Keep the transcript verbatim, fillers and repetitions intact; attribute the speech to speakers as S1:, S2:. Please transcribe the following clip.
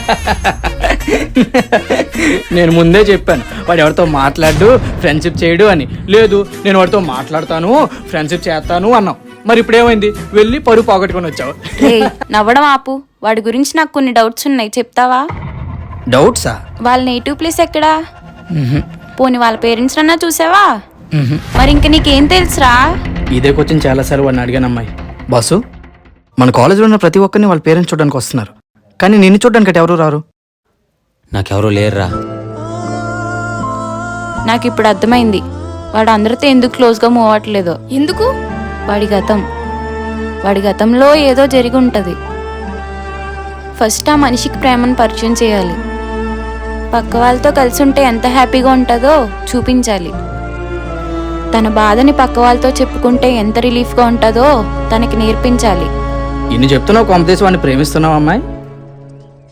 S1: నేను ముందే చెప్పాను వాడు ఎవరితో మాట్లాడు ఫ్రెండ్షిప్ చేయడు అని. లేదు నేను వాడితో మాట్లాడతాను ఫ్రెండ్షిప్ చేస్తాను అన్నావు. మరి ఇప్పుడు ఏమైంది? వెళ్ళి పరువు పోగొట్టుకొని వచ్చావు.
S2: రేయ్, నవ్వడం ఆపు. వాడి గురించి నాకు కొన్ని డౌట్స్ ఉన్నాయి, చెప్తావా?
S1: డౌట్సా?
S2: వాళ్ళ నేటివ్ ప్లేస్ ఎక్కడా? పోనీ వాళ్ళ పేరెంట్స్ అన్నా చూసావా? మరి ఇంక నీకేం తెలుసురా?
S1: ఇదే క్వశ్చన్ చాలాసార్లు వాడిని అడిగాను అమ్మాయి. బాసు, మన కాలేజీలో ఉన్న ప్రతి ఒక్కరిని వాళ్ళ పేరెంట్స్ చూడడానికి వస్తున్నారు, కానీ నిన్ను చూడడానికి ఎవరు రారు.
S3: నాకెవరూ లేరురా.
S2: నాకు ఇప్పుడు అర్థమైంది వాడు అందరితో ఎందుకు క్లోజ్గా మూవ్ అవ్వట్లేదో.
S4: ఎందుకు?
S2: వాడి గతం వాడి గతంలో ఏదో జరిగి ఉంటుంది. ఫస్ట్ ఆ మనిషికి ప్రేమను పరిచయం చేయాలి. పక్క వాళ్ళతో కలిసి ఉంటే ఎంత హ్యాపీగా ఉంటుందో చూపించాలి. తన బాధని పక్క వాళ్ళతో చెప్పుకుంటే ఎంత రిలీఫ్గా ఉంటుందో తనకి నేర్పించాలి.
S1: ఇన్ని చెప్తున్నావు, కాంపిటీషన్ వాడిని ప్రేమిస్తున్నావు అమ్మాయి.